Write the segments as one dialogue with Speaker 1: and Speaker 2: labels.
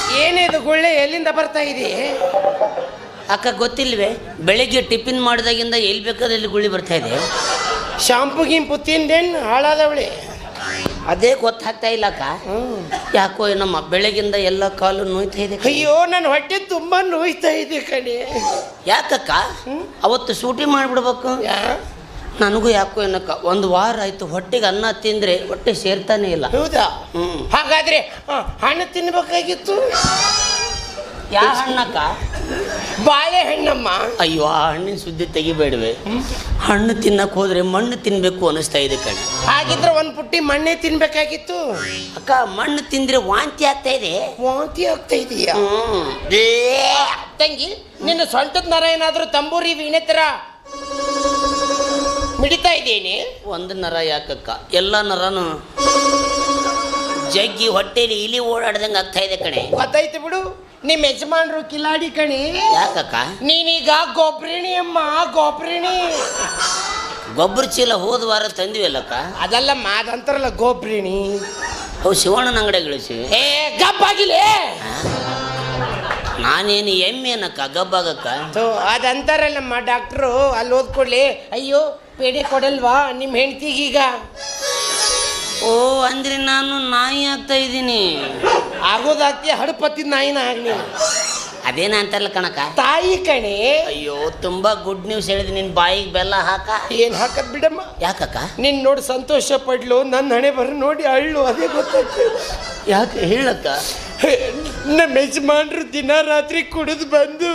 Speaker 1: ಏನಿದು ಗುಳ್ಳೆ ಎಲ್ಲಿಂದ ಬರ್ತಾ ಇದೆ?
Speaker 2: ಅಕ್ಕ ಗೊತ್ತಿಲ್ವೇ? ಬೆಳಿಗ್ಗೆ ಟಿಫಿನ್ ಮಾಡಿದಾಗಿಂದ ಎಲ್ಲಿ ಬೇಕಾದಲ್ಲಿ ಗುಳ್ಳಿ ಬರ್ತಾ ಇದೆ.
Speaker 1: ಶಾಂಪು ಗಿಂಪು ತಿಂದೇನು ಹಾಳಾದವಳೆ?
Speaker 2: ಅದೇ ಗೊತ್ತಾಗ್ತಾ ಇಲ್ಲ ಅಕ್ಕ. ಯಾಕೋ ನಮ್ಮ ಬೆಳಗಿಂದ ಎಲ್ಲ ಕಾಲು ನೋಯ್ತಾ ಇದೆ.
Speaker 1: ಅಯ್ಯೋ ನನ್ನ ಹೊಟ್ಟೆ ತುಂಬಾ ನೋಯ್ತಾ ಇದೆ ಕಣೆ.
Speaker 2: ಯಾಕಕ್ಕ? ಅವತ್ತು ಸೂಟಿ ಮಾಡಿಬಿಡ್ಬೇಕು. ನನಗೂ ಯಾಕೋ ಏನಕ್ಕ ಒಂದು ವಾರ ಆಯ್ತು ಹೊಟ್ಟೆಗೆ ಅನ್ನ ತಿಂದ್ರೆ ಹೊಟ್ಟೆ ಸೇರ್ತಾನೆ ಇಲ್ಲ.
Speaker 1: ಹೌದಾ? ಹಾಗಾದ್ರೆ ಹಣ್ಣು ತಿನ್ಬೇಕಾಗಿತ್ತು.
Speaker 2: ಯಾವ ಹಣ್ಣಕ್ಕ?
Speaker 1: ಬಾಳೆಹಣ್ಣಮ್ಮ.
Speaker 2: ಅಯ್ಯೋ ಆ ಹಣ್ಣಿನ ಸುದ್ದಿ ತೆಗಿಬೇಡವೆ. ಹಣ್ಣು ತಿನ್ನಕ್ ಹೋದ್ರೆ ಮಣ್ಣು ತಿನ್ಬೇಕು ಅನಿಸ್ತಾ ಇದೆ ಕಣೆ.
Speaker 1: ಹಾಗಿದ್ರೆ ಒಂದು ಪುಟ್ಟಿ ಮಣ್ಣೆ ತಿನ್ಬೇಕಾಗಿತ್ತು.
Speaker 2: ಅಕ್ಕ ಮಣ್ಣು ತಿಂದ್ರೆ ವಾಂತಿ ಆಗ್ತಾ ಇದೆ.
Speaker 1: ವಾಂತಿ ಆಗ್ತಾ ಇದೆಯಾ? ತಂಗಿ ನಿನ್ನ ಸೊಂಟದ ನರ ಏನಾದ್ರೂ ತಂಬೂರಿ ವೀಣೆ ತರ ಮಿಡಿತಾ ಇದ್ದೇನೆ?
Speaker 2: ಒಂದು ನರ ಯಾಕಕ್ಕ, ಎಲ್ಲ ನರನು ಜಗ್ಗಿ ಹೊಟ್ಟೆಲಿ ಇಲಿ ಓಡಾಡ್ದಂಗೆ ಆಗ್ತಾ ಇದೆ ಕಣೆ.
Speaker 1: ಗೊತ್ತಾಯ್ತು ಬಿಡು, ನಿಮ್ಮ ಯಜಮಾನ್ರು ಕಿಲಾಡಿ ಕಣಿ.
Speaker 2: ಯಾಕಕ್ಕ?
Speaker 1: ನೀನೀಗ ಗೊಬ್ಬರಿಣಿ ಅಮ್ಮ, ಗೊಬ್ಬರಿಣಿ.
Speaker 2: ಗೊಬ್ಬರ ಚೀಲ ಹೋದ ವಾರ ತಂದಿವಲ್ಲಕ್ಕ.
Speaker 1: ಅದೆಲ್ಲ ಮಾದಂತಾರಲ್ಲ ಗೊಬ್ಬರಿಣಿ.
Speaker 2: ಅವು ಶಿವಣ್ಣನ ಅಂಗಡಿ ಗಳಿಸಿ.
Speaker 1: ಗಬ್ಬಾಗಿಲೇ.
Speaker 2: ನಾನೇನು ಎಮ್ಮೆನಕ್ಕ ಗಬ್ಬಾಗಕ್ಕ?
Speaker 1: ಅದಂತಾರಲ್ಲಮ್ಮ ಡಾಕ್ಟ್ರು. ಅಲ್ಲಿ ಓದ್ಕೊಡ್ಲಿ. ಅಯ್ಯೋ ಪೇಡೆ ಕೊಡಲ್ವಾ ನಿಮ್ಮ ಹೆಂಡ್ತಿಗೀಗ?
Speaker 2: ಓ ಅಂದ್ರೆ ನಾನು ನಾಯಿ ಆಗ್ತಾ ಇದ್ದೀನಿ.
Speaker 1: ಆಗೋದಾಗ್ತಿ ಹಡಪತ್ತಿದ ನಾಯಿನ ಆಗ್ನಿ.
Speaker 2: ಅದೇನ ಅಂತಾರಲ್ಲ ಕಣಕ,
Speaker 1: ತಾಯಿ ಕಣೆ.
Speaker 2: ಅಯ್ಯೋ ತುಂಬಾ ಗುಡ್ ನ್ಯೂಸ್ ಹೇಳಿದ್. ನಿನ್ ಬಾಯಿಗೆ ಬೆಲ್ಲ ಹಾಕ.
Speaker 1: ಏನ್ ಹಾಕದ್ ಬಿಡಮ್ಮ.
Speaker 2: ಯಾಕಕ್ಕ?
Speaker 1: ನಿನ್ ನೋಡಿ ಸಂತೋಷ ಪಡ್ಲು, ನನ್ನ ಹಣೆ ಬರ ನೋಡಿ ಅಳ್ಳು. ಅದೇ ಗೊತ್ತಾಗ್ತದೆ.
Speaker 2: ಯಾಕೆ ಹೇಳಕ್ಕ?
Speaker 1: ನಮ್ಮ ಯಜಮಾನ್ರು ದಿನ ರಾತ್ರಿ ಕುಡಿದು ಬಂದು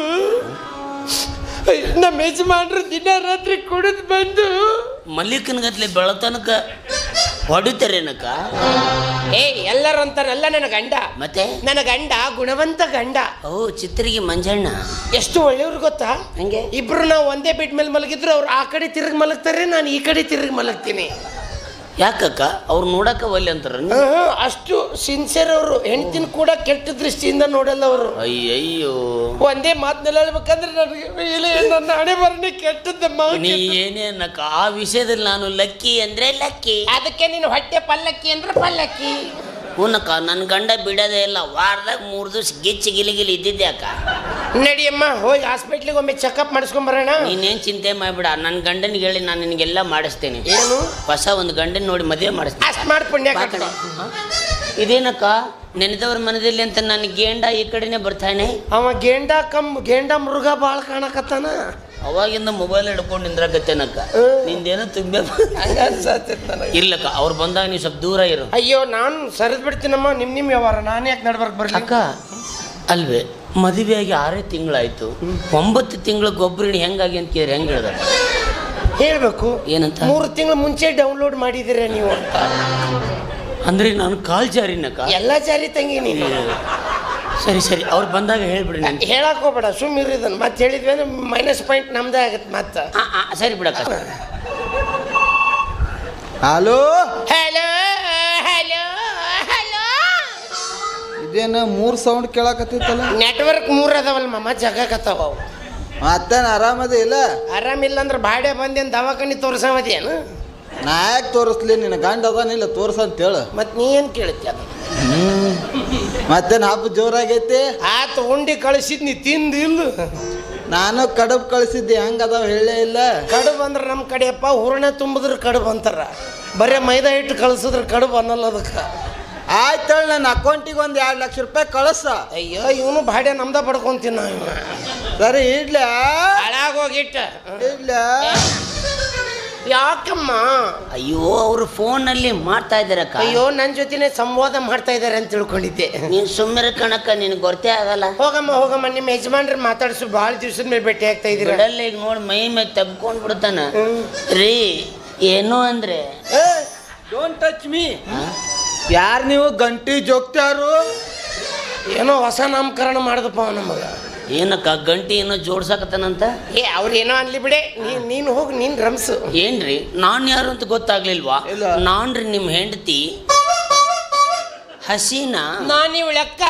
Speaker 2: ಮಲ್ಲಿಕನಗತ್ಲೆ ಬೆಳತನಕ ಹೊಡಿತಾರೇನಕ್ಕ?
Speaker 1: ಎಲ್ಲರೂ ಅಂತಾರಲ್ಲ ನನ್ನ ಗಂಡ.
Speaker 2: ಮತ್ತೆ
Speaker 1: ನನ್ನ ಗಂಡ ಗುಣವಂತ ಗಂಡ.
Speaker 2: ಓ ಚಿತ್ರಿಗೆ ಮಂಜಣ್ಣ
Speaker 1: ಎಷ್ಟು ಒಳ್ಳೆಯವ್ರು ಗೊತ್ತಾ?
Speaker 2: ಹಂಗೆ
Speaker 1: ಇಬ್ರು ನಾವು ಒಂದೇ ಬೆಡ್ ಮೇಲೆ ಮಲಗಿದ್ರು ಅವ್ರು ಆ ಕಡೆ ತಿರುಗಿ ಮಲಗ್ತಾರೆ, ನಾನು ಈ ಕಡೆ ತಿರುಗಿ ಮಲಗ್ತೀನಿ.
Speaker 2: ಯಾಕಕ್ಕ? ಅವ್ರು ನೋಡಕ್ಕ ಒಲ್ಲೆ ಅಂತಾರ?
Speaker 1: ಅಷ್ಟು ಸಿನ್ಸಿಯರ್ ಅವರು. ಹೆಂಡತಿನ ಕೂಡ ಕೆಟ್ಟ ದೃಷ್ಟಿಯಿಂದ ನೋಡಲ್ಲ ಅವರು.
Speaker 2: ಅಯ್ಯಯ್ಯೋ,
Speaker 1: ಒಂದೇ ಮಾತನ್ನೆಲ್ಲ ಹೇಳ್ಬೇಕಂದ್ರೆ ನನಗೆ ನನ್ನ ಹಣೆ ಬರನೇ ಕೆಟ್ಟದ್ದಮ್ಮ.
Speaker 2: ನೀ ಏನೇನಕ್ಕ ಆ ವಿಷಯದಲ್ಲಿ ನಾನು ಲಕ್ಕಿ ಅಂದ್ರೆ ಲಕ್ಕಿ.
Speaker 1: ಅದಕ್ಕೆ ನೀನು ಹೊಟ್ಟೆ ಪಲ್ಲಕ್ಕಿ ಅಂದ್ರೆ ಪಲ್ಲಕ್ಕಿ.
Speaker 2: ಹೂನಕ್ಕ, ನನ್ನ ಗಂಡ ಬಿಡೋದೇ ಇಲ್ಲ. ವಾರದಾಗ 3 ದಿವಸ ಗಿಚ್ಚಿ ಗಿಲಿಗಿಲಿ ಇದ್ದಿದ್ದೆ ಅಕ್ಕ.
Speaker 1: ನಡಿಯಮ್ಮ ಹೋಗಿ ಹಾಸ್ಪಿಟ್ಲಿಗೆ ಒಮ್ಮೆ ಚೆಕಪ್ ಮಾಡಿಸ್ಕೊಂಡ್ ಬರೋಣ.
Speaker 2: ನೀನೇನು ಚಿಂತೆ ಮಾಡ್ಬಿಡ, ನನ್ನ ಗಂಡನಿಗೆ ಹೇಳಿ ನಾನು ನಿನಗೆಲ್ಲ ಮಾಡಿಸ್ತೇನೆ.
Speaker 1: ಏನು?
Speaker 2: ಹೊಸ ಒಂದು ಗಂಡನ ನೋಡಿ ಮದುವೆ ಮಾಡಿಸ್ತೇನೆ.
Speaker 1: ಅಷ್ಟು ಮಾಡಿ ಪುಣ್ಯ ಕಡೆ.
Speaker 2: ಇದೇನಕ್ಕ ನೆನೆದವ್ರ ಮನದಲ್ಲಿ ಅಂತ ನನ್ನ ಗೇಂಡ ಈ ಕಡೆನೆ ಬರ್ತಾನೆ.
Speaker 1: ಅವ ಗೇಂಡ ಮೃಗ ಭಾಳ ಕಾಣಕತ್ತಾನ.
Speaker 2: ಅವಾಗಿಂದ ಮೊಬೈಲ್ ಹಿಡ್ಕೊಂಡು ನಿಂದ್ರಾಗತ್ತೇನಕ್ಕ. ನಿಂದೇನೋ ತುಂಬೆ ಇರ್ಲಕ್ಕ. ಅವ್ರು ಬಂದಾಗ ನೀವು ಸ್ವಲ್ಪ ದೂರ ಇರು.
Speaker 1: ಅಯ್ಯೋ ನಾನು ಸರಿದ್ ಬಿಡ್ತೀನಮ್ಮ. ನಿಮ್ಮ ವ್ಯವಹಾರ ನಾನು ಯಾಕೆ ನಡ್ಬರ್ಕ್ ಬರ್ಲಿ
Speaker 2: ಅಕ್ಕ? ಅಲ್ವೇ, ಮದುವೆಯಾಗಿ 6 ತಿಂಗಳಾಯ್ತು. 9 ತಿಂಗಳ ಗೊಬ್ಬರಿಣಿ ಹೆಂಗಾಗಿ ಅಂತ ಕೇಳಿ ಹೆಂಗೆ ಹೇಳ್ದ?
Speaker 1: ಹೇಳ್ಬೇಕು.
Speaker 2: ಏನಂತ?
Speaker 1: 3 ತಿಂಗಳು ಮುಂಚೆ ಡೌನ್ಲೋಡ್ ಮಾಡಿದ್ದೀರ ನೀವು ಅಂತ.
Speaker 2: ಅಂದ್ರೆ ನಾನು ಕಾಲ್ ಜಾರಿನಕ್ಕ?
Speaker 1: ಎಲ್ಲ ಜಾರಿ ತಂಗಿ ನೀನು.
Speaker 2: ಸರಿ ಸರಿ, ಅವ್ರು ಬಂದಾಗ ಹೇಳ್ಬಿಡಿ. ನಾನು
Speaker 1: ಹೇಳಕ್ ಹೋಗ್ಬೇಡ, ಸುಮ್ಮಿರಿದನ್. ಮತ್ತೆ ಹೇಳಿದ್ವಿ ಅಂದ್ರೆ ಮೈನಸ್ ಪಾಯಿಂಟ್ ನಮ್ದೇ ಆಗತ್ತೆ ಮತ್ತೆ.
Speaker 2: ಸರಿ ಬಿಡಕ್ಕ.
Speaker 3: Hello
Speaker 1: hello hello hello.
Speaker 3: ಇದೇನು 3 ಸೌಂಡ್ ಕೇಳಕತ್ತಿತ್ತಲ್ಲ?
Speaker 1: ನೆಟ್ವರ್ಕ್ 3 ಅದಾವಲ್ಲ ಮಮ್ಮ, ಜಗಕತ್ತಾವ.
Speaker 3: ಮತ್ತೇನು ಆರಾಮದ ಇಲ್ಲ?
Speaker 1: ಆರಾಮಿಲ್ಲ ಅಂದ್ರೆ ಬಾಡೆ ಬಂದೇನು ದವಾಖಾನಿ ತೋರ್ಸವದೇನು?
Speaker 3: ನಾ ಯಾಕೆ ತೋರಿಸ್ಲಿ? ನಿನ್ನ ಗಂಡ ಅದಾನಿಲ್ಲ ತೋರ್ಸಂತೇಳು.
Speaker 1: ಮತ್ತೆ ನೀ ಏನು ಕೇಳುತ್ತೆ ಅದು?
Speaker 3: ಮತ್ತೇನು ಹಬ್ಬ ಜೋರಾಗೈತಿ?
Speaker 1: ಆತ ಉಂಡಿ ಕಳಿಸಿದ್ ನೀ ತಿಂದಿಲ್ಲ.
Speaker 3: ನಾನು ಕಡುಬು ಕಳಿಸಿದ್ದೆ, ಹೆಂಗದಾವ ಹೇಳೇ ಇಲ್ಲ.
Speaker 1: ಕಡುಬು ಅಂದ್ರೆ ನಮ್ಮ ಕಡೆಯಪ್ಪ ಹೂರಣ ತುಂಬಿದ್ರೆ ಕಡುಬು ಅಂತಾರ. ಬರೀ ಮೈದಾ ಹಿಟ್ಟು ಕಳಿಸಿದ್ರೆ ಕಡುಬು ಅನ್ನಲ್ಲ ಅದಕ್ಕೆ.
Speaker 3: ಆಯ್ತು, ನನ್ನ ಅಕೌಂಟಿಗೆ ಒಂದು 2 ಲಕ್ಷ ರೂಪಾಯಿ ಕಳಿಸ.
Speaker 1: ಅಯ್ಯೋ ಇವನು ಬಾಡೆ ನಮ್ದ ಪಡ್ಕೊಂತೀನಿ ನಾವು.
Speaker 3: ಸರಿ ಇಡ್ಲ.
Speaker 1: ಹಾಳಾಗೋಗಿಟ್ಟ
Speaker 3: ಇಡ್ಲ.
Speaker 1: ಯಾಕಮ್ಮ?
Speaker 2: ಅಯ್ಯೋ, ಅವರು ಫೋನಲ್ಲಿ ಮಾಡ್ತಾ ಇದ್ದಾರಕ್ಕ.
Speaker 1: ಅಯ್ಯೋ ನನ್ನ ಜೊತೆನೆ ಸಂವಾದ ಮಾಡ್ತಾ ಇದ್ದಾರೆ ಅಂತ ತಿಳ್ಕೊಂಡಿದ್ದೆ.
Speaker 2: ನೀನು ಸುಮ್ಮನೆ ಕಣಕ್ಕ, ನಿನಗೆ ಗೊತ್ತೇ ಆಗಲ್ಲ.
Speaker 1: ಹೋಗಮ್ಮ ನಿಮ್ಮ ಯಜಮಾನ್ರ ಮಾತಾಡ್ಸು. ಭಾಳ ದಿವ್ಸದ ಮೇಲೆ ಭೇಟಿ ಆಗ್ತಾ ಇದ್ದೀರ.
Speaker 2: ಬಿಡಲ್ಲ ಈಗ ನೋಡಿ, ಮೈ ಮೇಲೆ ತಬ್ಕೊಂಡು ಬಿಡ್ತಾನ. ರೀ ಏನು ಅಂದ್ರೆ
Speaker 3: ಡೋಂಟ್ ಟಚ್ ಮೀ. ಯಾರು ನೀವು? ಗಂಟಿ ಜೋಗ್ತಾರು?
Speaker 1: ಏನೋ ಹೊಸ ನಾಮಕರಣ ಮಾಡಿದಪ್ಪ ನಮಗ.
Speaker 2: ಏನಕ್ಕ ಗಂಟಿ ಏನೋ ಜೋಡ್ಸಾಕತ್ತಾನಂತ?
Speaker 1: ಅವ್ರೇನೋ ಅನ್ಲಿ ಬಿಡೆ, ನೀನು ಹೋಗಿ ನೀನು ರಮ್ಸು.
Speaker 2: ಏನ್ರಿ ನಾನು ಯಾರು ಅಂತ ಗೊತ್ತಾಗ್ಲಿಲ್ವಾ? ನಾನ್ರಿ ನಿಮ್ಮ ಹೆಂಡತಿ ಹಸೀನಾ.
Speaker 1: ನಾನು ಇವಳ ಅಕ್ಕ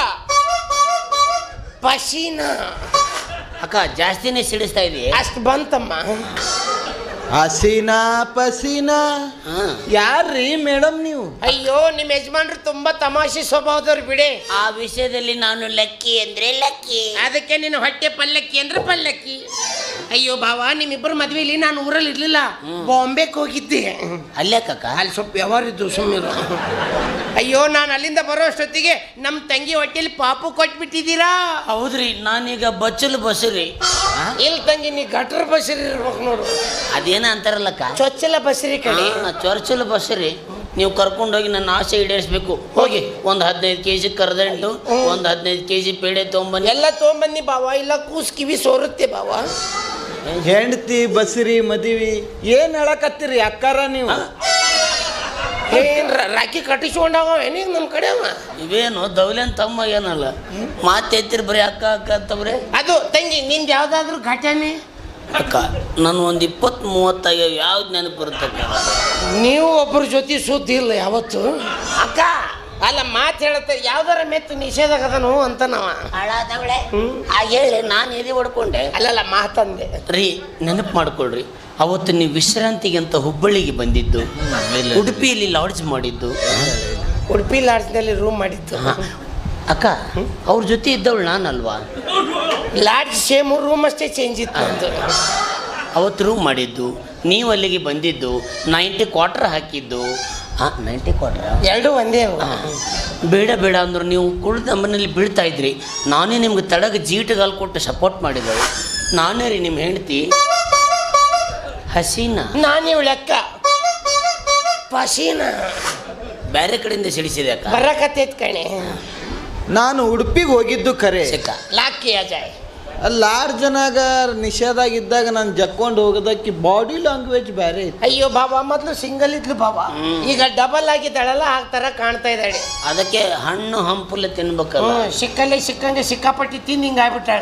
Speaker 1: ಪಶೀನಾ.
Speaker 2: ಅಕ್ಕ ಜಾಸ್ತಿನೇ ಸಿಡಿಸ್ತಾ ಇದೆಯೇ?
Speaker 1: ಅಷ್ಟು ಬಂತಮ್ಮ.
Speaker 3: ಹಸೀನಾ ಪಸೀನಾ. ಯಾರ್ರೀ ಮೇಡಮ್ ನೀವು?
Speaker 1: ಅಯ್ಯೋ ನಿಮ್ಮ ಯಜಮಾನ್ರು ತುಂಬಾ ತಮಾಷೆ ಸ್ವಭಾವದವ್ರು ಬಿಡಿ.
Speaker 2: ಆ ವಿಷಯದಲ್ಲಿ ನಾನು ಲಕ್ಕಿ ಅಂದ್ರೆ ಲಕ್ಕಿ.
Speaker 1: ಅದಕ್ಕೆ ನಿನ್ನ ಹೊಟ್ಟೆ ಪಲ್ಲಕ್ಕಿ ಅಂದ್ರೆ ಪಲ್ಲಕ್ಕಿ. ಅಯ್ಯೋ ಭಾವ, ನಿಮ್ಮಿಬ್ಬರು ಮದ್ವೆಲಿ ನಾನು ಊರಲ್ಲಿ ಇರ್ಲಿಲ್ಲ, ಬಾಂಬೆಗೆ ಹೋಗಿದ್ದೆ.
Speaker 2: ಅಲ್ಲೇ ಕಕ್ಕ
Speaker 1: ಅಲ್ಲಿ ಸ್ವಲ್ಪ ವ್ಯವಹಾರ ಇದ್ದು ಸುಮ್ಮನೆ. ಅಯ್ಯೋ, ನಾನು ಅಲ್ಲಿಂದ ಬರೋ ಅಷ್ಟೊತ್ತಿಗೆ ನಮ್ಮ ತಂಗಿ ಹೊಟ್ಟೆಲಿ ಪಾಪು ಕೊಟ್ಬಿಟ್ಟಿದ್ದೀರಾ.
Speaker 2: ಹೌದ್ರಿ, ನಾನೀಗ ಬಚ್ಚಲು ಬಸರಿ.
Speaker 1: ಇಲ್ಲಿ ತಂಗಿ ನೀ ಗಟ್ರ ಬಸರಿ ಇರ್ಬೇಕು ನೋಡು.
Speaker 2: ಅದೇನ ಅಂತಾರಲ್ಲಕ್ಕ,
Speaker 1: ಚೊಚ್ಚಲ ಬಸರಿ ಕಡೆ.
Speaker 2: ಚೊರ್ಚಲು ಬಸರಿ. ನೀವು ಕರ್ಕೊಂಡೋಗಿ ನನ್ನ ಆಸೆ ಈಡೇರಿಸ್ಬೇಕು. ಹೋಗಿ ಒಂದು 15 kg ಕರ್ದಂಟು, ಒಂದು 15 kg ಪೇಡೆ ತೊಗೊಂಬನ್ನಿ.
Speaker 1: ಎಲ್ಲ ತೊಗೊಂಬನ್ನಿ ಬಾವ, ಇಲ್ಲ ಕೂಸ್ ಕಿವಿ ಸೋರುತ್ತೆ ಬಾವ.
Speaker 3: ಹೆಂಡತಿ ಬಸ್ರಿ ಮದಿವಿ ಏನ್ ಹೇಳಕತ್ತೀರಿ ಅಕ್ಕಾರ ನೀವು?
Speaker 1: ಏನ್ ರಾಖಿ ಕಟ್ಟಿಸ್ಕೊಂಡಾವ ಏನೀಗ ನಮ್ಮ ಕಡೆ ಅವ?
Speaker 2: ಇವೇನು ದೌಲೆನ್ ತಮ್ಮ ಏನಲ್ಲ, ಮಾತೆತ್ತಿರ್ ಬರೀ ಅಕ್ಕ ಅಕ್ಕ ಅಂತವ್ರೆ.
Speaker 1: ಅದು ತಂಗಿ, ನಿಂದು ಯಾವ್ದಾದ್ರು ಘಟನೆ?
Speaker 2: ಅಕ್ಕ ನಾನು ಒಂದು 20-30 ಯಾವ್ದು ನೆನಪು ಬರುತ್ತಕ್ಕ?
Speaker 1: ನೀವು ಒಬ್ಬರ ಜೊತೆ ಸುದ್ದಿ ಇಲ್ಲ ಯಾವತ್ತು ಅಕ್ಕ. ಅಲ್ಲ, ಮಾತು ಹೇಳುತ್ತೆ ಯಾವ್ದಾರ ಮೆತ್ತು ನಿಷೇಧಾಗದನು ಅಂತ ನಾವ
Speaker 2: ಹಾಳಾದವಳೆ ಹೇಳಿ ನಾನು ಎದೆ ಹೊಡ್ಕೊಂಡೆ.
Speaker 1: ಅಲ್ಲಲ್ಲ ಮಾತಂದೆ
Speaker 2: ರೀ, ನೆನಪು ಮಾಡ್ಕೊಳ್ರಿ, ಅವತ್ತು ನೀವು ವಿಶ್ರಾಂತಿಗೆ ಅಂತ ಹುಬ್ಬಳ್ಳಿಗೆ ಬಂದಿದ್ದು, ಉಡುಪಿಯಲ್ಲಿ ಲಾಡ್ಜ್ ಮಾಡಿದ್ದು.
Speaker 1: ಉಡುಪಿ ಲಾಡ್ಜ್ನಲ್ಲಿ ರೂಮ್ ಮಾಡಿದ್ದು.
Speaker 2: ಅಕ್ಕ ಅವ್ರ ಜೊತೆ ಇದ್ದವಳು ನಾನಲ್ವಾ?
Speaker 1: ಲಾಡ್ಜ್ ಸೇಮ್ ರೂಮ್ ಅಷ್ಟೇ ಚೇಂಜ್ ಇತ್ತು ಅಂತ.
Speaker 2: ಅವತ್ತು ರೂಮ್ ಮಾಡಿದ್ದು, ನೀವು ಅಲ್ಲಿಗೆ ಬಂದಿದ್ದು, 90 ಕ್ವಾರ್ಟರ್ ಹಾಕಿದ್ದು. 90 ಕ್ವಾರ್ಟರ್
Speaker 1: ಎರಡು ಒಂದೇ ಅವು.
Speaker 2: ಬೇಡ ಬೇಡ ಅಂದ್ರು ನೀವು ಕುಳಿತು ನಮ್ಮನೇಲಿ ಬೀಳ್ತಾ ಇದ್ರಿ. ನಾನೇ ನಿಮ್ಗೆ ತಡಗ ಜೀಟಗಾಲ್ ಕೊಟ್ಟು ಸಪೋರ್ಟ್ ಮಾಡಿದಳು. ನಾನೇ ರೀ ನಿಮ್ಮ ಹೆಂಡತಿ ಹಸೀನಾ.
Speaker 1: ನಾನೇ ಲೆಕ್ಕ ಪಸೀನಾ
Speaker 2: ಬೇರೆ ಕಡೆಯಿಂದ ಸಿಡಿಸಿದೆ ಅಕ್ಕ.
Speaker 1: ಬರಕತ್ತೈತ್ ಕಣೆ.
Speaker 3: ನಾನು ಉಡುಪಿಗೆ ಹೋಗಿದ್ದು ಖರೆ.
Speaker 2: ಸಿಕ್ಕ
Speaker 1: ಲಾಕಿ ಅಜಯ್
Speaker 3: ಅಲ್ಲಿ 6 ಜನಾಗ ನಿಷೇಧಾಗಿದ್ದಾಗ ನಾನು ಜಕ್ಕೊಂಡು ಹೋಗೋದಕ್ಕೆ ಬಾಡಿ ಲ್ಯಾಂಗ್ವೇಜ್ ಬೇರೆ ಇತ್ತು.
Speaker 1: ಅಯ್ಯೋ ಬಾಬಾ, ಮೊದಲು ಸಿಂಗಲ್ ಇದ್ಲು ಬಾಬಾ, ಈಗ ಡಬಲ್ ಆಗಿದ್ದಾಳಲ್ಲ, ಆ ಥರ ಕಾಣ್ತಾ ಇದ್ದಾಳೆ.
Speaker 2: ಅದಕ್ಕೆ ಹಣ್ಣು ಹಂಪುಲ್ಲ ತಿನ್ಬೇಕಲ್ಲ.
Speaker 1: ಸಿಕ್ಕಲ್ಲೇ ಸಿಕ್ಕಂಗೆ ಸಿಕ್ಕಾಪಟ್ಟಿ ತಿಂದು ಹಿಂಗೆ ಆಗ್ಬಿಟ್ಟಾಳ.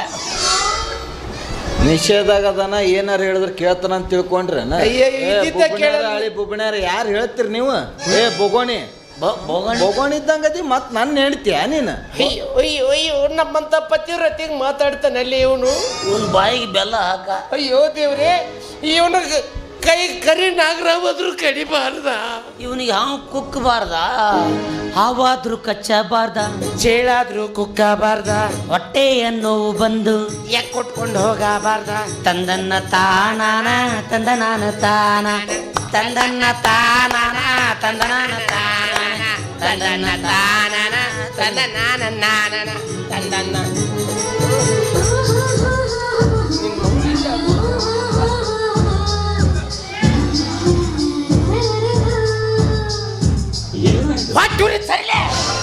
Speaker 3: ನಿಷೇಧಾಗದನ ಏನಾರ ಹೇಳಿದ್ರೆ ಕೇಳ್ತಾನ ಅಂತ ತಿಳ್ಕೊಂಡ್ರೇನ?
Speaker 1: ಅಯ್ಯೋ, ಇದ್ದಿದ್ದ ಕೇಳಲ್ಲ.
Speaker 3: ಹಳಿ ಬುಬ್ಣ್ಯಾರ ಯಾರು ಹೇಳ್ತೀರಿ ನೀವು? ಬೋಗೋಣಿ ಬೋಗೋಣಿ ಇದ್ದಂಗದಿ ಮತ್ ನನ್ನ ಹೇಳ್ತೀಯ ನೀನು?
Speaker 1: ಅಯ್ಯೋ ಅಯ್ಯೋ ಅಯ್ಯೋ, ನಮ್ಮಂತ ಪತಿವ್ರತಿಗೆ ಮಾತಾಡ್ತಾನಲ್ಲಿ ಇವನು.
Speaker 2: ಇವನ್ ಬಾಯಿಗೆ ಬೆಲ್ಲ ಹಾಕ.
Speaker 1: ಅಯ್ಯೋ ದೇವ್ರೆ, ಇವನು ಕೈ ಕರಿ ನಾಗರಾವಾದ್ರೂ ಕಡಿಬಾರ್ದ,
Speaker 2: ಇವನಿಗೆ ಹಾವು ಕುಕ್ಕಬಾರ್ದ, ಹಾವಾದ್ರೂ ಕಚ್ಚಬಾರ್ದ,
Speaker 1: ಚೇಳಾದ್ರೂ ಕುಕ್ಕಬಾರ್ದ,
Speaker 2: ಹೊಟ್ಟೆಯನ್ನು ಬಂದು
Speaker 1: ಯಾಕೆ ಕೊಟ್ಕೊಂಡು ಹೋಗಬಾರ್ದ.
Speaker 2: ತಂದನ್ನ ತಾನಾನ ತಂದನಾನ ತಾನ ತಂದನ್ನ ತಾನಾನ ತಂದನಾನ ತಾನ ತಂದನ್ನ ತಾನಾನ
Speaker 1: ತಂದನಾನ ನಾನನ ತಂದನ್ನ. ಹೊಟ್ಟೂರಿ ಸರಿಲೇ.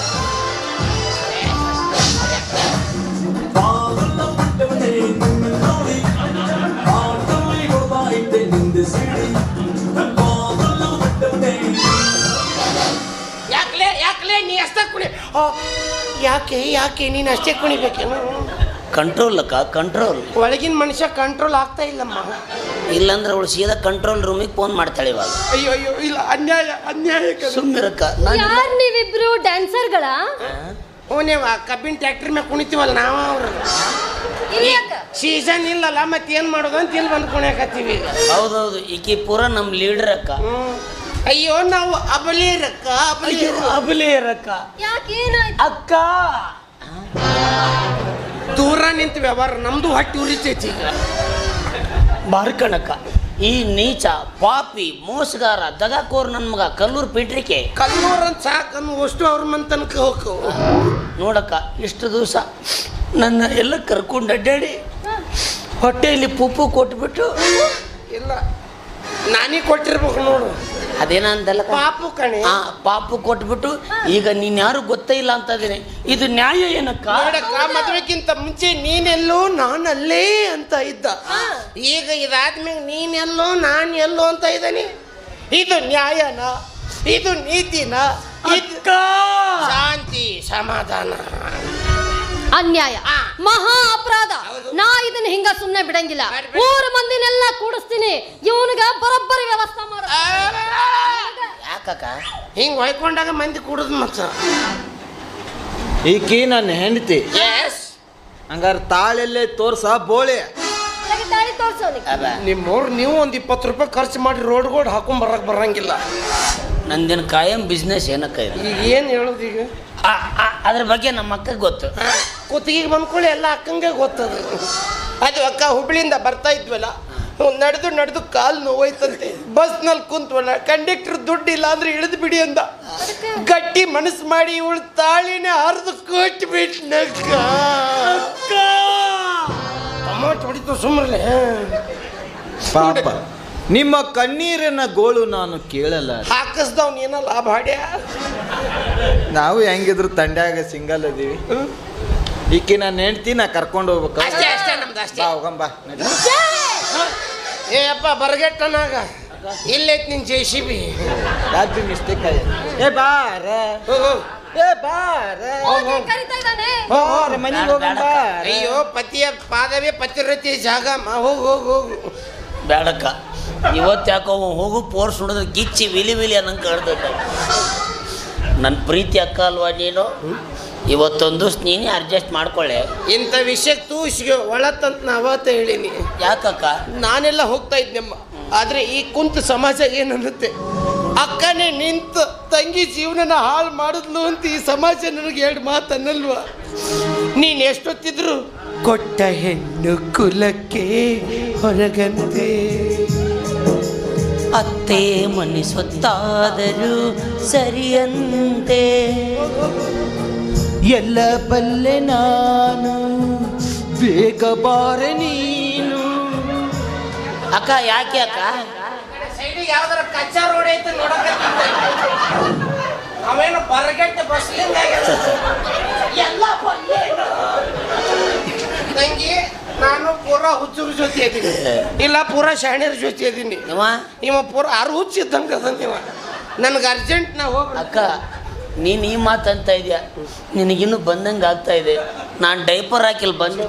Speaker 1: ಯಾಕಲೇ ನೀ ಅಷ್ಟೇ ಕುಣಿ. ಯಾಕೆ ನೀನು ಅಷ್ಟೇ ಕುಣಿಬೇಕೇನು?
Speaker 2: ಕಂಟ್ರೋಲ್ ಅಕ್ಕ, ಕಂಟ್ರೋಲ್.
Speaker 1: ಒಳಗಿನ ಮನುಷ್ಯ ಕಂಟ್ರೋಲ್ ಆಗ್ತಾ ಇಲ್ಲಮ್ಮ.
Speaker 2: ಇಲ್ಲಾಂದ್ರೆ ಅವಳು ಸೀದಾ ಕಂಟ್ರೋಲ್ ರೂಮಿಗೆ ಫೋನ್ ಮಾಡ್ತಾಳೆ ಇವಾಗ.
Speaker 1: ಅಯ್ಯೋ ಅಯ್ಯೋ, ಇಲ್ಲ, ಅನ್ಯಾಯ ಅನ್ಯಾಯ.
Speaker 2: ಸುಮ್ಮಿರಕ್ಕ.
Speaker 4: ಯಾರು ನೀವಿಬ್ರು ಡ್ಯಾನ್ಸರ್ಗಳ?
Speaker 1: ನೀವು ಕಬ್ಬಿನ ಟ್ಯಾಕ್ಟ್ರಿ ಮೇಲೆ ಕುಣಿತೀವಲ್ಲ ನಾವು. ಅವ್ರು ಸೀಸನ್ ಇಲ್ಲಲ್ಲ, ಮತ್ತೇನು ಮಾಡೋದು ಅಂತ ಇಲ್ಲಿ ಬಂದು ಕುಣಿಯಾಕತ್ತೀವಿ ಈಗ.
Speaker 2: ಹೌದೌದು, ಈಕಿ ಪೂರ ನಮ್ಮ ಲೀಡರ್ ಅಕ್ಕ.
Speaker 1: ಅಯ್ಯೋ, ನಾವು ಅಬಲೇರಕ್ಕ ಅಬಲೇರಕ್ಕ.
Speaker 4: ಯಾಕೇನಾಯ್ತು
Speaker 2: ಅಕ್ಕ
Speaker 1: ದೂರ ನಿಂತು ವ್ಯವಹಾರ, ನಮ್ದು ಹೊಟ್ಟೆ ಉರಿತೈತಿ ಈಗ.
Speaker 2: ಬಾರ್ಕಣಕ್ಕ, ಈ ನೀಚ ಪಾಪಿ ಮೋಸಗಾರ ದಗಾಕೋರ್ ನನ್ನ ಮಗ ಕಲ್ಲೂರು ಪೀಟ್ರಿಕೆ
Speaker 1: ಕಲ್ಲೂರಂತ ಸಾಕನ್ನು ಅಷ್ಟು ಅವ್ರ ಮನ್ ತನಕ ಹೋಗು
Speaker 2: ನೋಡಕ್ಕ. ಇಷ್ಟು ದಿವಸ ನನ್ನ ಎಲ್ಲ ಕರ್ಕೊಂಡು ಅಡ್ಡಾಡಿ ಹೊಟ್ಟೆಯಲ್ಲಿ ಪುಪ್ಪು ಕೊಟ್ಬಿಟ್ಟು.
Speaker 1: ಇಲ್ಲ, ನಾನೇ ಕೊಟ್ಟಿರ್ಬೇಕು ನೋಡು.
Speaker 2: ಅದೇನಂದಲ್ಲ
Speaker 1: ಪಾಪು ಕಣೆ.
Speaker 2: ಪಾಪು ಕೊಟ್ಬಿಟ್ಟು ಈಗ ನೀನ್ ಯಾರು ಗೊತ್ತೇ ಇಲ್ಲ ಅಂತ ಇದೀನಿ. ಇದು ನ್ಯಾಯ ಏನಕ್ಕ?
Speaker 1: ಮದುವೆಗಿಂತ ಮುಂಚೆ ನೀನೆಲ್ಲೋ ನಾನಲ್ಲೇ ಅಂತ ಇದ್ದ. ಈಗ ಇದಾದ್ಮೇಲೆ ನೀನೆಲ್ಲೋ ನಾನು ಎಲ್ಲೋ ಅಂತ ಇದ್ದಾನೆ. ಇದು ನ್ಯಾಯನ? ಇದು ನೀತಿನ? ಶಾಂತಿ ಸಮಾಧಾನ.
Speaker 4: ಅನ್ಯಾಯ, ಮಹಾ ಅಪರಾಧ. ನಾ ಇದನ್ನ ಹಿಂಗ ಸುಮ್ನೆ ಬಿಡಂಗಿಲ್ಲ. 3 ಮಂದಿನೆಲ್ಲ ಕೂಡಿಸ್ತೀನಿ, ಇವನಿಗ ಬರೋಬ್ಬರಿ ವ್ಯವಸ್ಥೆ ಮಾಡ.
Speaker 2: ಯಾಕಕ್ಕ
Speaker 1: ಹಿಂಗ್ ಹೊಯ್ಕೊಂಡಾಗ ಮಂದಿ ಕೂಡುದು ಮತ್ತ.
Speaker 3: ಈಕಿ ನನ್ನ ಹೆಂಡತಿ. ಹಂಗಾರೆ ತಾಳೆಲ್ಲೇ ತೋರ್ಸ ಬೋಳೆ.
Speaker 4: ತಾಳಿ ತೋರ್ಸೋನಿ.
Speaker 1: ನಿಮ್ಮವ್ರು ನೀವು ಒಂದು 20 ರೂಪಾಯಿ ಖರ್ಚು ಮಾಡಿ ರೋಡ್ಗೋಡ್ ಹಾಕೊಂಡ್ ಬರಕ್ ಬರಂಗಿಲ್ಲ.
Speaker 2: ನಂದಿನ ಕಾಯಂ ಬಿಸ್ನೆಸ್ ಏನಕ್ಕ ಇದೆ
Speaker 1: ಈಗ ಏನು ಹೇಳೋದು ಈಗ
Speaker 2: ಅದ್ರ ಬಗ್ಗೆ ನಮ್ಮ ಅಕ್ಕಗೆ ಗೊತ್ತು.
Speaker 1: ಕುತ್ತಿಗೆಗೆ ಬಂದ್ಕೊಳ್ಳಿ ಎಲ್ಲ ಅಕ್ಕಂಗೆ ಗೊತ್ತದ. ಅದು ಅಕ್ಕ ಹುಬ್ಳಿಯಿಂದ ಬರ್ತಾ ಇದ್ವಲ್ಲ, ನಡೆದು ಕಾಲು ನೋವಾಯ್ತಂತೆ. ಬಸ್ನಲ್ಲಿ ಕುಂತ್ವಲ್ಲ, ಕಂಡಕ್ಟರ್ ದುಡ್ಡು ಇಲ್ಲ ಅಂದ್ರೆ ಇಳಿದು ಬಿಡಿ ಅಂದ. ಗಟ್ಟಿ ಮನಸ್ಸು ಮಾಡಿ ಇವಳು ತಾಳಿನೇ ಹರಿದು ಕೊಟ್ಬಿಟ್ನಕ್ಕ. ಟೊಮಾಟೊ ಹೊಡಿತು ಸುಮ್ಮನೆ.
Speaker 3: ಪಾಪ ನಿಮ್ಮ ಕಣ್ಣೀರಿನ ಗೋಳು ನಾನು ಕೇಳಲ್ಲ.
Speaker 1: ಹಾಕಿಸ್ದವ್ನ ಏನೋ ಲಾಭ ಹಾಡ್ಯ.
Speaker 3: ನಾವು ಹೆಂಗಿದ್ರು ತಂಡ್ಯಾಗ ಸಿಂಗಲ್ ಅದೀವಿ. ಈಕೆ ನಾನು ಹೆಂಡ್ತಿ ನಾ ಕರ್ಕೊಂಡು ಹೋಗ್ಬೇಕು.
Speaker 1: ಅಷ್ಟೇ ನಮ್ದು ಅಷ್ಟೇ.
Speaker 3: ಹೋಗಂಬ.
Speaker 1: ಏ ಅಪ್ಪ ಬರಗೆಟ್ಟನಾಗ ಇಲ್ಲೈತ್ ನಿನ್ JCB.
Speaker 3: ಯಾಕೆ ಮಿಸ್ಟೇಕ್ ಆಯ್ತು? ಏ ಬಾರ ಏ ಬಾರ
Speaker 4: ಕರಿತಾ ಇದ್ದಾನೆ.
Speaker 3: ಮನೆಗೆ ಹೋಗಂಬ.
Speaker 1: ಅಯ್ಯೋ ಪತಿಯ ಪಾದವೇ ಪತಿರತಿ ಜಾಗ. ಹೋಗು ಹೋಗು ಹೋಗು.
Speaker 2: ಬೇಡಕ್ಕ, ಇವತ್ತು ಯಾಕೋ ಹೋಗು ಪೋರ್ಸ್ ನೋಡಿದ್ರೆ ಗಿಚ್ಚಿ ವಿಲಿ ಅನ್ನಂಗೆ ಕಾಣ್ತೈತೆ. ನನ್ನ ಪ್ರೀತಿ ಅಕ್ಕ ಅಲ್ವಾ ನೀನು? ಇವತ್ತೊಂದು ನೀನೇ ಅಡ್ಜಸ್ಟ್ ಮಾಡ್ಕೊಳ್ಳೆ.
Speaker 1: ಇಂಥ ವಿಷಯಕ್ಕೆ ತೂಸಿಗೆ ಒಳತಂತ ನಾ ಅವತ್ತ ಹೇಳಿನಿ.
Speaker 2: ಯಾಕಕ್ಕ?
Speaker 1: ನಾನೆಲ್ಲ ಹೋಗ್ತಾ ಇದ್ನಮ್ಮ, ಆದರೆ ಈ ಕುಂತ ಸಮಾಜ ಏನನ್ನುತ್ತೆ, ಅಕ್ಕನೇ ನಿಂತು ತಂಗಿ ಜೀವನನ ಹಾಳು ಮಾಡಿದ್ಲು ಅಂತ ಈ ಸಮಾಜ ನನಗೆ 2 ಮಾತು ಅನ್ನಲ್ವಾ? ನೀನು ಎಷ್ಟೊತ್ತಿದ್ರು ಕೊಟ್ಟ ಹೆಣ್ಣು ಕುಲಕ್ಕೆ ಹೊರಗಂತೆ.
Speaker 2: ಅತ್ತೆ ಮನೆ ಸ್ವತ್ತಾದರೂ ಸರಿಯಂತೆ.
Speaker 3: ಎಲ್ಲ ಬಲ್ಲೆ ನಾನು ಬೇಗ ಬಾರೆ ನೀನು.
Speaker 2: ಅಕ್ಕ ಯಾಕೆ ಅಕ್ಕ?
Speaker 1: ಸೈಡಿಗೆ ಯಾವ್ದಾರ ಕಚ್ಚಾ ರೋಡ್ ಐತೆ ನೋಡಕ್ಕೆ. ಅವೇನು ಬರಗಟ್ಟೆ ಬಸ್ಲಿಂದ ಎಲ್ಲ ತಂಗಿ. ನಾನು ಪೂರಾ ಹುಚ್ಚರ ಜೊತೆ ಇದ್ದೀನಿ, ಇಲ್ಲ ಪೂರಾ ಶಾಣ್ಯರ ಜೊತೆ ಇದ್ದೀನಿ. ಇವ ಪೂರಾ 6 ಹುಚ್ಚಿದ್ದಂಗೆ ಅದ. ಇವ ನನಗೆ ಅರ್ಜೆಂಟ್ ನಾ ಹೋಗಿ.
Speaker 2: ಅಕ್ಕ ನೀನು ಈ ಮಾತು ಅಂತ ಇದೆಯಾ? ನಿನಗಿನ್ನೂ ಬಂದಂಗೆ ಆಗ್ತಾ ಇದೆ. ನಾನು ಡೈಪರ್ ಹಾಕಿಲ್ಲ ಬಂದೆ.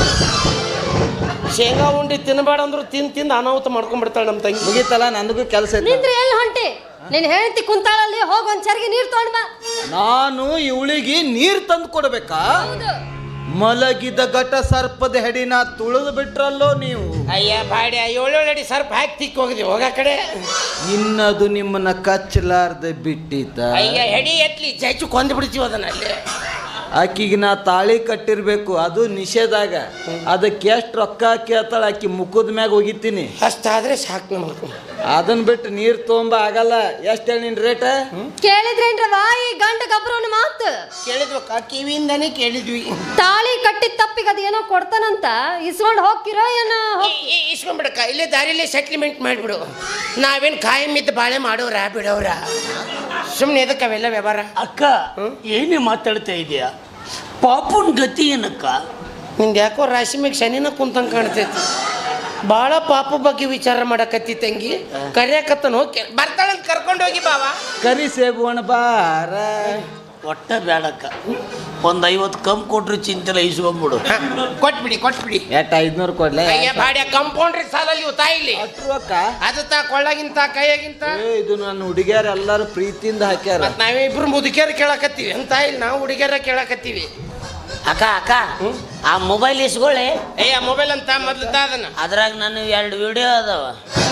Speaker 1: ಶೇಂಗಾ ಉಂಡಿ ತಿನ್ನಬೇಡ ಅಂದ್ರು ತಿಂದು ಅನಾಹುತ ಮಾಡ್ಕೊಂಡ್ಬಿಡ್ತಾಳೆ ನಮ್ಮ ತಂಗಿ.
Speaker 3: ಮುಗೀತಲ್ಲ, ನನಗೂ ಕೆಲಸ ಐತೆ.
Speaker 4: ನಿಂತ್ರೆ ಎಲ್ಲಿ ಹೊಂಟಿ? ನೀನ್ ಹೇಳ್ತಿ ಕುಂತಾಳಲ್ಲಿ ಹೋಗಿ ಒಂದ್ ಚರಿಗೆ ನೀರ್ ತಗೊಂಡ್ ಬಾ.
Speaker 3: ನಾನು ಇವಳಿಗೆ ನೀರು ತಂದು ಕೊಡ್ಬೇಕಾ?
Speaker 4: ಹೌದು.
Speaker 3: ಮಲಗಿದ ಘಟ ಸರ್ಪದ ಹೆಡಿನ ತುಳಿದು ಬಿಟ್ರಲ್ಲೋ ನೀವು.
Speaker 1: ಅಯ್ಯ ಬಾಡ್ಯ 7 ಅಡಿ ಸರ್ಪ ಹಾಕಿ ತಿಕ್ಕಿ ಹೋಗಿದ್ವಿ. ಹೋಗ ಕಡೆ
Speaker 3: ಇನ್ನದು ನಿಮ್ಮನ್ನ ಕಚ್ಚಲಾರ್ದೆ ಬಿಟ್ಟಿತ.
Speaker 1: ಅಯ್ಯ ಹೆಡಿ ಎತ್ಲಿ ಚಚ್ಚು ಕೊಂದು ಬಿಡ್ತೀವಿ ಅದನ್ನ ಅಲ್ಲಿ.
Speaker 3: ಆಕಿಗೆ ನಾ ತಾಳಿ ಕಟ್ಟಿರ್ಬೇಕು, ಅದು ನಿಷೇಧಾಗ. ಅದಕ್ಕೆ ಎಷ್ಟು ರೊಕ್ಕ ಕೇಳ್ತಾಳೆ ಆಕಿ ಮುಖದ ಮ್ಯಾಗ ಹೋಗಿತ್ತೀನಿ.
Speaker 1: ಅಷ್ಟಾದ್ರೆ ಸಾಕು ನಮಗೆ.
Speaker 3: ಅದನ್ನ ಬಿಟ್ಟು ನೀರು ತೊಗೊಂಬ ಆಗಲ್ಲ. ಎಷ್ಟು ಹೇಳಿ ನಿನ್ ರೇಟ?
Speaker 4: ಕೇಳಿದ್ರೇನ್ರವಾ ಈ ಗಂಡ ಗಬ್ರವನ ಮಾತು?
Speaker 1: ಕೇಳಿದ್ವಕ್ಕ, ಕಿವಿಯಿಂದಾನೇ ಕೇಳಿದ್ವಿ.
Speaker 4: ತಾಳಿ ಕಟ್ಟಿದ ತಪ್ಪಿಗೆ ಅದೇನೋ ಕೊಡ್ತಾನಂತ ಇಸ್ಕೊಂಡು ಹೋಗ್ತಿರೋ ಏನೋ?
Speaker 1: ಇಸ್ಕೊಂಡ್ಬಿಡಕ್ಕ, ಇಲ್ಲೇ ದಾರಿಲೇ ಸೆಟ್ಲ್ಮೆಂಟ್ ಮಾಡಿಬಿಡು. ನಾವೇನು ಕಾಯಂ ಇದ್ದು ಬಾಳೆ ಮಾಡೋರ ಬಿಡೋರ? ಸುಮ್ಮನೆ ಎದಕ್ಕೆ ಅವೆಲ್ಲ ವ್ಯವಹಾರ?
Speaker 2: ಅಕ್ಕ ಏನೇ ಮಾತಾಡ್ತಾ ಇದೆಯಾ? ಪಾಪುನ್ ಗತಿ ಏನಕ್ಕ?
Speaker 1: ನಿಂದು ಯಾಕೋ ರಾಶಿ ಮ್ಯಾಗ ಶನಿನ ಕುಂತಂಗೆ ಕಾಣ್ತೈತಿ. ಭಾಳ ಪಾಪ ಬಗ್ಗೆ ವಿಚಾರ ಮಾಡಕತ್ತಿ ತಂಗಿ. ಕರಿಯಾಕತ್ತನ ಹೋಗಿ ಬರ್ತಾಳಂತ ಕರ್ಕೊಂಡು ಹೋಗಿ ಬಾವ.
Speaker 3: ಕರಿ ಸೇಬುವಣ ಬಾರ.
Speaker 2: ಒಟ್ಟ ಬೇಡಕ್ಕ, ಒಂದು 50 ಕಮ್ಮಿ ಕೊಟ್ರು ಚಿಂತೆಲ್ಲ ಇಸ್ಕೊಂಡ್ಬಿಡು.
Speaker 1: ಕೊಟ್ಬಿಡಿ
Speaker 3: ಎಟ್ 500 ಕೊಡ್ಲೆ?
Speaker 1: ಅಯ್ಯ ಬಾಡ್ಯ ಕಂಪೌಂಡ್ರಿ ಸಾಲಲ್ಲಿ ಇವು ತಾಯಿಲಿ
Speaker 3: ಅಕ್ಕ.
Speaker 1: ಅದು ತಾ ಕೊಳ್ಳಗಿಂತ ಕೈಯಾಗಿಂತ.
Speaker 3: ಇದು ನನ್ನ ಹುಡುಗಿಯರ ಎಲ್ಲರೂ ಪ್ರೀತಿಯಿಂದ ಹಾಕ್ಯಾರ.
Speaker 1: ಮತ್ ನಾವೇ ಇಬ್ರು ಮುದುಕಿಯರು ಕೇಳಕತ್ತೀವಿ ಅಂತ ಇಲ್ಲಿ ನಾವು ಹುಡುಗಿಯರ ಕೇಳಕತ್ತೀವಿ.
Speaker 2: ಅಕ್ಕ ಅಕ್ಕ ಆ ಮೊಬೈಲ್ ಇಸ್ಕೊಳ್ಳಿ.
Speaker 1: ಅಯ್ಯ ಮೊಬೈಲ್ ಅಂತ ಮೊದ್ಲು ಅದನ್ನ
Speaker 2: ಅದ್ರಾಗ ನಾನು 2 ವಿಡಿಯೋ ಅದಾವ.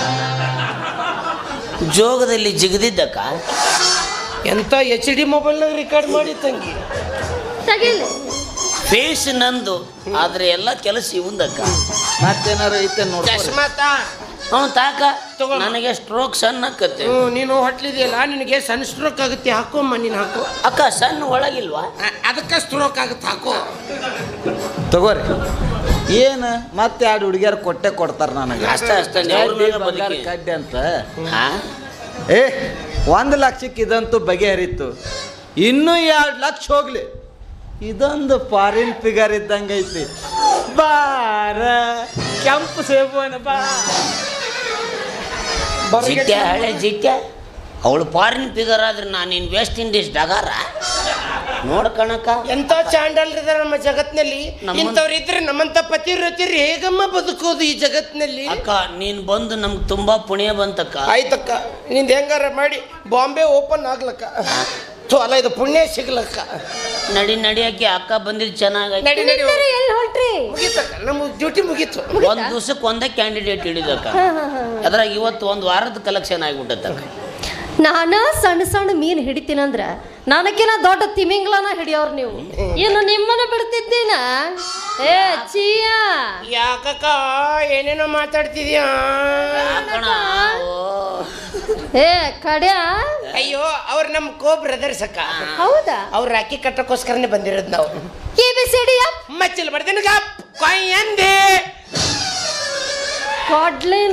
Speaker 2: ಜೋಗದಲ್ಲಿ ಜಿಗದಿದ್ದಕ್ಕ
Speaker 1: ಎಂತ HD ಮೊಬೈಲ್ನಾಗ ರೆಕಾರ್ಡ್ ಮಾಡಿ ತಂಗಿ.
Speaker 2: ಫೇಸ್ ನಂದು, ಆದ್ರೆ ಎಲ್ಲ ಕೆಲಸ ಇವಂದಕ್ಕ.
Speaker 3: ಮತ್ತೇನಾರು ಐತೆ ನೋಡಿ.
Speaker 1: ಚಶ್ಮಾತ
Speaker 2: ತಾಕ
Speaker 1: ತಗೋ.
Speaker 2: ನನಗೆ ಸ್ಟ್ರೋಕ್ ಸಣ್ಣ ಆಕತ್ತೆ.
Speaker 1: ನೀನು ಹೊಟ್ಲಿದೆಯಲ್ಲ, ನಿನಗೆ ಸನ್ ಸ್ಟ್ರೋಕ್ ಆಗುತ್ತೆ. ಹಾಕೋಮ್ಮ ನೀನು ಹಾಕೋ.
Speaker 2: ಅಕ್ಕ ಸಣ್ಣ ಒಳಗಿಲ್ವಾ?
Speaker 1: ಅದಕ್ಕೆ ಸ್ಟ್ರೋಕ್ ಆಗುತ್ತೆ, ಹಾಕೋ.
Speaker 3: ತಗೋರಿ. ಏನು ಮತ್ತೆ 2 ಹುಡುಗಿಯರು ಕೊಡ್ತಾರ ನನಗೆ.
Speaker 2: ಅಷ್ಟೇ
Speaker 3: ಕಡ್ಡಿ ಅಂತ. ಏ 1 ಲಕ್ಷಕ್ಕೆ ಇದಂತೂ ಬಗೆಹರಿತು. ಇನ್ನೂ 2 ಲಕ್ಷ ಹೋಗ್ಲಿ. ಇದೊಂದು ಫಾರಿನ್ ಫಿಗರ್ ಇದ್ದಂಗೆ ಐತಿ. ಬಾರ ಕೆಂಪು ಸೇಬುವನ ಬಾ.
Speaker 2: ಜಿಟ್ಟ ಹಳೆ ಜಿಟ್ಟ ಅವಳು ಫಾರಿನ್ ಫಿಗರ್ ಆದ್ರೆ ನಾನಿನ್ ವೆಸ್ಟ್ ಇಂಡೀಸ್ ಡಗಾರ ನೋಡ್ಕಣಕ್ಕ.
Speaker 1: ಎಂತ ಚಾಂಡಲ್ರಿದಾರ ನಮ್ಮ ಜಗತ್ನಲ್ಲಿ. ಇಂಥವ್ರು ಇದ್ರೆ ನಮ್ಮಂತ ಪತಿವ್ರತಿರು ಹೇಗಮ್ಮ ಬದುಕೋದು ಈ ಜಗತ್ನಲ್ಲಿ?
Speaker 2: ಅಕ್ಕ ನೀನ್ ಬಂದು ನಮ್ಗೆ ತುಂಬಾ ಪುಣ್ಯ ಬಂತಕ್ಕ.
Speaker 1: ಆಯ್ತಕ್ಕ, ನಿಂದ ಹೆಂಗಾರ ಮಾಡಿ ಬಾಂಬೆ ಓಪನ್ ಆಗ್ಲಕ್ಕ. ಅಲ್ಲ ಇದು ಪುಣ್ಯ ಸಿಗ್ಲಕ್ಕ.
Speaker 2: ನಡಿಯಕ್ಕೆ ಅಕ್ಕ ಬಂದಿದ್ದು ಚೆನ್ನಾಗಿ.
Speaker 1: ನಡಿ
Speaker 4: ಎಲ್ಲಿ ಹೊಂಟ್ರಿ?
Speaker 1: ಮುಗೀತಕ್ಕ, ನಮ್ಮ ಡ್ಯೂಟಿ ಮುಗೀತು.
Speaker 2: ಒಂದ್ ದಿವ್ಸಕ್ಕೆ ಒಂದೇ ಕ್ಯಾಂಡಿಡೇಟ್ ಹಿಡಿದಕ್ಕ. ಅದ್ರಾಗ ಇವತ್ತು 1 ವಾರದ ಕಲೆಕ್ಷನ್ ಆಗಿಬಿಟ್ಟಕ್ಕ.
Speaker 4: ನಾನು ಸಣ್ಣ ಸಣ್ಣ ಮೀನು ಹಿಡಿತೀನಂದ್ರ ನನಗಿನ ದೊಡ್ಡ ತಿಮಿಂಗ್ಲನ ಹಿಡಿಯೋರು ನೀವು. ಇನ್ನು ನಿಮ್ಮನ್ನ ಬಿಡ್ತಿದ್ದೀನ? ಏ ಚೀಯಾ,
Speaker 1: ಯಾಕಕ್ಕ ಏನೇನೋ ಮಾತಾಡ್ತಿದ್ಯಾ?
Speaker 4: ಏ ಕಡ್ಯ,
Speaker 1: ಅಯ್ಯೋ ಅವ್ರು ನಮ್ಮ ಕೋ ಬ್ರದರ್ಸ್ ಅಕ್ಕ.
Speaker 4: ಹೌದಾ?
Speaker 1: ಅವ್ರು ರಾಖಿ ಕಟ್ಟಕ್ಕೋಸ್ಕರನೇ ಬಂದಿರೋದು ನಾವು.
Speaker 4: ABCD
Speaker 1: ಮಚ್ಚಲ್ ಬರ್ದೇನು ಕೊಯ್ಯಂದೆ
Speaker 4: ಕೊಡ್ಲಿನ.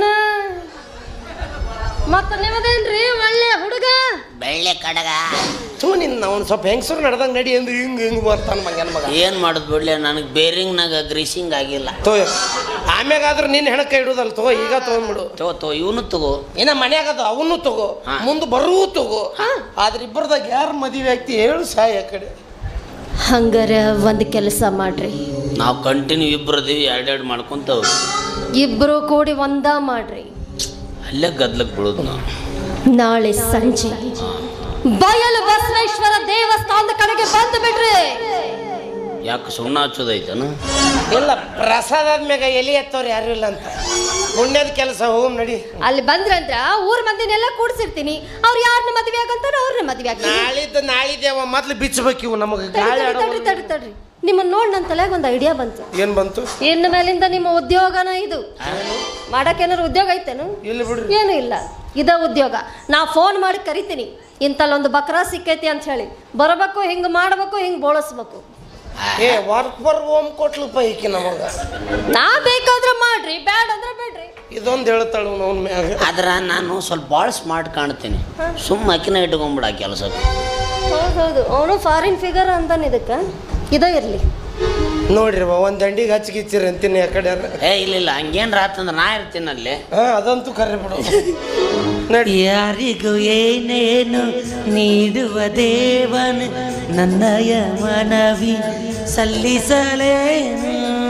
Speaker 4: ಮತ್ತ ನಿಮ್ಮದೇನ್ರಿ ಒಳ್ಳೆ ಹುಡುಗ?
Speaker 2: ಬೆಳ್ಳೆ ಕಡಗ.
Speaker 1: ನಿನ್ನ ಅವ್ನು ಸ್ವಲ್ಪ ಹೆಂಗಸರು ನಡೆದಂಗೆ ನಡಿ ಅಂದ್ರೆ ಹಿಂಗೆ ಬರ್ತಾನೆ ಮಗನ ಮಗ.
Speaker 2: ಏನು ಮಾಡೋದು ಬಿಡ್ಲೆ, ನನಗೆ ಬೇರಿಂಗ್ನಾಗ ಗ್ರೀಸಿಂಗ್ ಆಗಿಲ್ಲ.
Speaker 1: ಆಮ್ಯಾಗಾದ್ರೂ ನಿನ್ನ ಹೆಣಕ ಇಡುದಲ್ಲ ತಗೋ, ಈಗ ತೊಗೊಂಡ್ಬಿಡು.
Speaker 2: ತಗೋ ಇವನು ತಗೋ.
Speaker 1: ಏನ ಮನ್ಯಾಗದು ಅವನು ತಗೋ, ಮುಂದೆ ಬರೂ ತಗೋ. ಆದ್ರೆ ಇಬ್ಬರದಾಗ ಯಾರು ಮದುವೆ ಆಗ್ತಿ ಹೇಳು ಸಾಯ ಕಡೆ.
Speaker 4: ಹಂಗಾರ ಒಂದು ಕೆಲಸ ಮಾಡ್ರಿ,
Speaker 2: ನಾವು ಕಂಟಿನ್ಯೂ ಇಬ್ಬರದೀವಿ, ಎರಡೆರಡು ಮಾಡ್ಕೊಂತವ್.
Speaker 4: ಇಬ್ರು ಕೂಡಿ ಒಂದ ಮಾಡ್ರಿ.
Speaker 2: ಅಲ್ಲೇ ಗದ್ಲಕ್ಕೆ ಬಿಡೋದು ನಾವು.
Speaker 4: ನಾಳೆ ಸಂಜೆ ಬಯಲು ಬಸವೇಶ್ವರ ದೇವಸ್ಥಾನದ ಕಡೆಗೆ ಬಂದು ಬಿಡ್ರಿ.
Speaker 2: ಯಾಕೆ ಸುಣ್ಣ ಹಚ್ಚೋದೈತನ?
Speaker 1: ಇಲ್ಲ, ಪ್ರಸಾದ ಆದ್ಮ್ಯಾಗ ಎಲೆ ಎತ್ತವ್ರು ಯಾರು ಇಲ್ಲ ಅಂತ ಪುಣ್ಯದ ಕೆಲಸ. ಹೋಗ್ ನಡಿ.
Speaker 4: ಅಲ್ಲಿ ಬಂದ್ರಂದ್ರ ಊರ್ ಮಂದಿನೆಲ್ಲ ಕೂಡ್ಸಿರ್ತೀನಿ. ಅವ್ರು ಯಾರನ್ನ ಮದ್ವೆ ಆಗಂತಾರ ಅವ್ರನ್ನ ಮದ್ವೆ ಆಗ್ತೀನಿ.
Speaker 1: ನಾಳಿದ್ದೇವ ಮೊದ್ಲು ಬಿಚ್ಚಬೇಕು ಇವು ನಮಗೆ ಗಾಳಿ
Speaker 4: ತಡ್ರಿ ತಡ್ರಿ ತಡ್ರಿ. ನಿಮ್ಮನ್ನ ನೋಡಿ ನನ್ನ ತಲೆಗೆ ಒಂದು ಐಡಿಯಾ ಬಂತು.
Speaker 1: ಏನ್ ಬಂತು?
Speaker 4: ಇನ್ನು ಮೇಲಿಂದ ನಿಮ್ಮ ಉದ್ಯೋಗನ ಇದು. ಮಾಡಕ್ಕೆ ಏನಾರು ಉದ್ಯೋಗ ಐತೇನು?
Speaker 1: ಇಲ್ಲ ಬಿಡ್ರಿ.
Speaker 4: ಏನು ಇಲ್ಲ, ಇದ ಉದ್ಯೋಗ. ನಾ ಫೋನ್ ಮಾಡಿ ಕರಿತೀನಿ, ಇಂತಲ್ಲೊಂದು ಬಕ್ರಾ ಸಿಕ್ಕೈತಿ ಅಂತ ಹೇಳಿ ಬರಬೇಕು, ಹಿಂಗೆ ಮಾಡಬೇಕು, ಹಿಂಗೆ ಬೋಳಿಸ್ಬೇಕು.
Speaker 1: ಏ ವರ್ಕ್ ಫರ್ ಹೋಮ್ ಕೊಟ್ಲಪ್ಪ ಈಕಿ ನಮಗ.
Speaker 4: ನಾ ಬೇಕಾದ್ರೆ ಮಾಡ್ರಿ, ಬ್ಯಾಡ ಅಂದ್ರೆ ಬೇಡ್ರಿ.
Speaker 1: ಇದೊಂದು ಹೇಳ್ತಾಳು ಅವನ ಮ್ಯಾಗ.
Speaker 2: ಆದ್ರೆ ನಾನು ಸ್ವಲ್ಪ ಭಾಳ ಸ್ಮಾರ್ಟ್ ಕಾಣ್ತೀನಿ. ಸುಮ್ಮ ಅಕ್ಕಿನ ಇಟ್ಕೊಂಬಿಡ ಕೆಲಸಕ್ಕೆ.
Speaker 4: ಹೌದೌದು, ಅವನು ಫಾರಿನ್ ಫಿಗರ್ ಅಂತಾನೆ. ಇದಕ್ಕೆ ಇದೇ ಇರಲಿ
Speaker 1: ನೋಡ್ರಿ ಒಂದು ದಂಡಿಗೆ ಹಚ್ಚಿಗಿಚ್ಚಿರಿ ಅಂತೀನಿ ಆ ಕಡೆ.
Speaker 2: ಏ ಇಲ್ಲ ಹಂಗೇನ್ರ ಆತಂದ್ರೆ ನಾ ಇರ್ತೀನಿ ಅಲ್ಲಿ.
Speaker 1: ಅದಂತೂ ಕರೆ ಬಿಡು. ನಡಿ.
Speaker 3: ಯಾರಿಗೂ ಏನೇನು ನೀಡುವ ದೇವನು ನನ್ನಯ ಮನವಿ ಸಲ್ಲಿಸಲೇನು.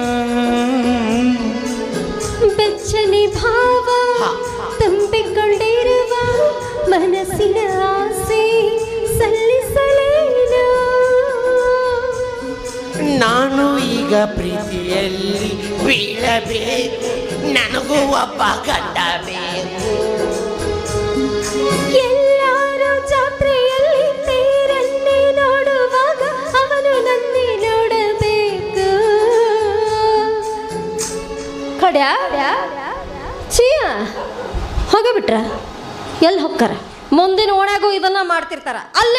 Speaker 4: ಬೆಚ್ಚನಿ ಭಾವ ತುಂಬಿಕೊಂಡಿರುವ ಮನಸ್ಸಿನ ಆಸೆ ಸಲ್ಲಿಸಲೇನು.
Speaker 1: ನಾನು ಈಗ ಪ್ರೀತಿಯಲ್ಲಿ ಬೀಳಬೇಕು, ನನಗೂ ಒಬ್ಬ ಗಂಡ ಬೇಕು.
Speaker 4: ಎಲ್ಲರೂ ಜಾತ್ರೆಯಲ್ಲಿ ತೇರನ್ನೇ ನೋಡುವಾಗ ಅವನು ನನ್ನೇ ನೋಡಬೇಕು. ಕಡ್ಯಾ ಚೀಯ ಹೋಗಿಬಿಟ್ರ? ಎಲ್ಲಿ ಹೋಗ್ತಾರ? ಮುಂದಿನ ಓಣ್ಯಾಗೂ ಇದನ್ನ ಮಾಡ್ತಿರ್ತಾರ. ಅಲ್ಲಿ